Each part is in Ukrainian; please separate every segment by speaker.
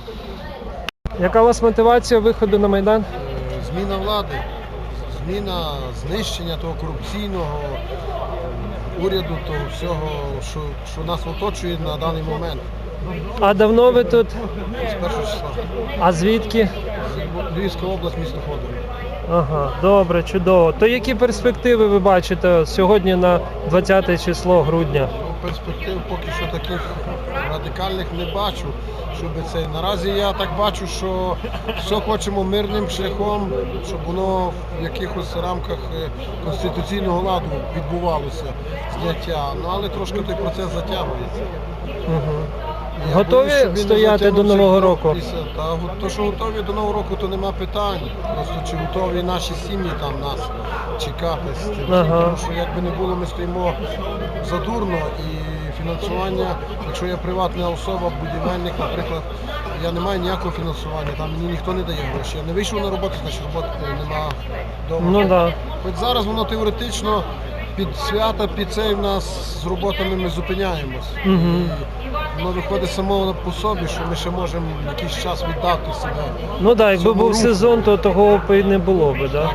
Speaker 1: Яка у вас мотивація виходу на Майдан?
Speaker 2: Зміна влади, зміна знищення того корупційного уряду, того всього, що нас оточує на даний момент.
Speaker 1: А давно ви тут?
Speaker 2: З першого числа.
Speaker 1: А звідки?
Speaker 2: Львівська область, місто Ходорів.
Speaker 1: Ага, добре, чудово. То які перспективи ви бачите сьогодні на 20 число грудня?
Speaker 2: Перспектив поки що таких радикальних не бачу. Наразі я так бачу, що все хочемо мирним шляхом, щоб воно в якихось рамках конституційного ладу відбувалося зняття. Але трошки той процес затягується.
Speaker 1: Угу. Готові стояти до Нового року?
Speaker 2: То, що готові до Нового року, то нема питань. Просто чи готові наші сім'ї там нас чекати з тим. Тому що якби не було, ми стоїмо задурно і фінансування, якщо я приватна особа, будівельник, наприклад, я не маю ніякого фінансування, там мені ніхто не дає гроші. Я не вийшов на роботу, значить роботи нема вдома.
Speaker 1: Ну, да.
Speaker 2: Хоч зараз воно теоретично під свята, під цей в нас з роботами ми зупиняємось. І воно виходить само по собі, що ми ще можемо якийсь час віддати себе.
Speaker 1: Ну так, якби був сезон, то того б і не було б, так?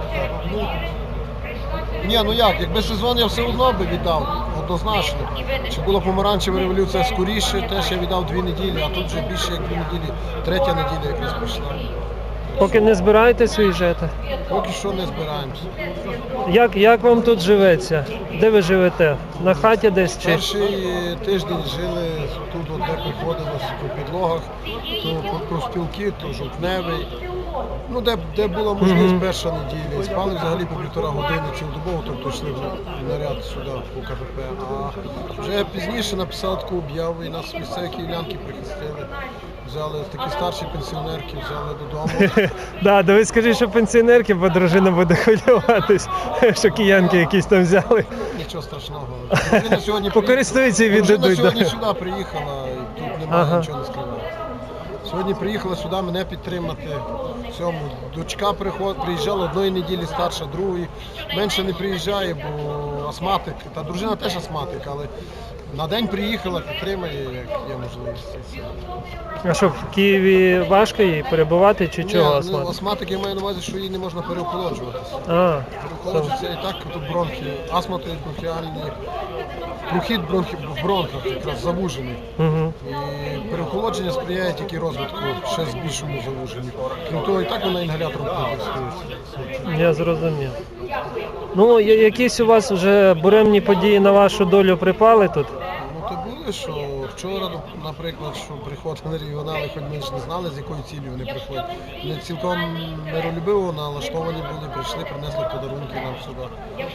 Speaker 2: Ні, ну як, якби сезон я все одно би віддав, однозначно. Чи була помаранчева революція скоріше, теж я віддав 2 неділі, а тут вже більше як 2 неділі, 3-я неділя якраз пішла.
Speaker 1: Поки не збираєтесь виїжджати?
Speaker 2: Поки що не збираємося.
Speaker 1: Як вам тут живеться? Де ви живете? На хаті десь чи?
Speaker 2: Перший тиждень жили тут, де приходилось по підлогах, то профспілки, то жовтневий. Ну, де була можливість перша неділя. Спали взагалі по 1,5 години цілодобово, тобто йшли в наряд сюди, у КПП. А вже пізніше написали таку об'яву і нас місцеві київлянки прихистили. Взяли такі старші пенсіонерки, взяли додому.
Speaker 1: Так, ви скажіть, що пенсіонерки, бо дружина буде хвилюватись, що киянки якісь там взяли.
Speaker 2: Нічого страшного. Дружина сьогодні
Speaker 1: покористуються і віддадуть.
Speaker 2: Дружина сьогодні сюди приїхала, і тут немає нічого не скривати. Сьогодні приїхала сюди мене підтримати. В цьому. Дочка приїжджала 1 неділі, старша 2-ї. Менше не приїжджає, бо астматик. Та дружина теж астматик, але на день приїхала, підтримає, як є можливість.
Speaker 1: А що, в Києві важко їй перебувати чи чого астматик?
Speaker 2: Астматик, я маю на увазі, що їй не можна переохолоджуватися. Переохолоджуватися і так тут бронхи, астмати бронхіальні, прохід в бронхах якраз завужений. І переохолодження сприяє тільки розвитку ще з більшому завуженню. Крім того, і так вона інгалятором користується.
Speaker 1: Я зрозумів. Ну, якісь у вас вже буремні події на вашу долю припали тут?
Speaker 2: Ну, то були, що вчора, наприклад, що приходили регіонали, хоч ми ж не знали, з якою цілею вони приходять. Вони цілком миролюбиво налаштовані були, прийшли, принесли подарунки нам сюди.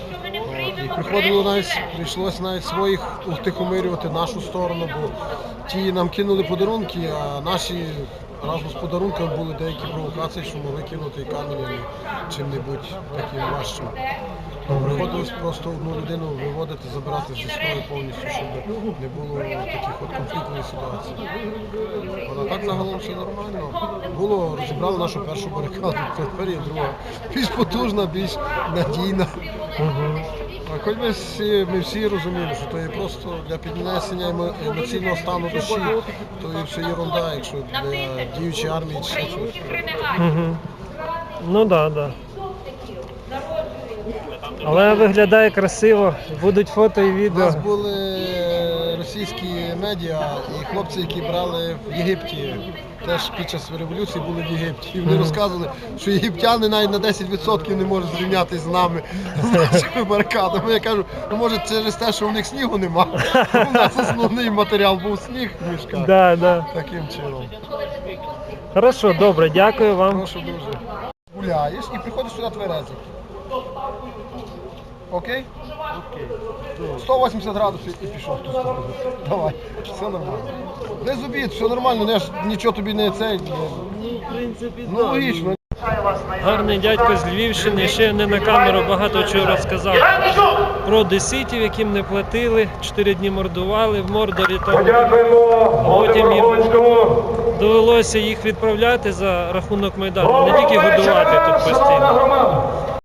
Speaker 2: І прийшлося навіть своїх утихомирювати нашу сторону, бо ті нам кинули подарунки, а наші разом з подарунками були деякі провокації, що могли кинути камінь чим-небудь таким важчим. Приходилось просто одну людину виводити, забирати зі строю повністю, щоб не було таких от конфліктних ситуацій. А так загалом все нормально. Розібрали нашу першу барикаду, тепер є друга. Більш потужна, більш надійна. А хоч ми всі розуміємо, що то є просто для піднесення емоційного стану душі, то є все єрунда, якщо для діючої армії чи щось.
Speaker 1: Ну так, так. Але виглядає красиво, будуть фото і відео.
Speaker 2: У нас були російські медіа і хлопці, які брали в Єгипті, теж під час революції були в Єгипті. І вони розказували, що єгиптяни навіть на 10% не можуть зрівнятися з нами, з нашими барикадами. Я кажу, ну може через те, що в них снігу нема. У нас основний матеріал був сніг в мішках. Таким чином.
Speaker 1: Хорошо, добре, дякую вам.
Speaker 2: Прошу дуже. Гуляєш і приходиш сюди тверезий. Окей? Окей. 180 градусів і пішов в ту сторону. Давай, все нормально. Без обід, все нормально, я ж нічого тобі не цей. Ну логічно.
Speaker 1: Гарний дядько з Львівщини, ще не на камеру багато чого розказав про одеситів, яким не платили, 4 дні мордували в Мордорі. Потім їм довелося їх відправляти за рахунок Майдану, не тільки годувати тут постійно.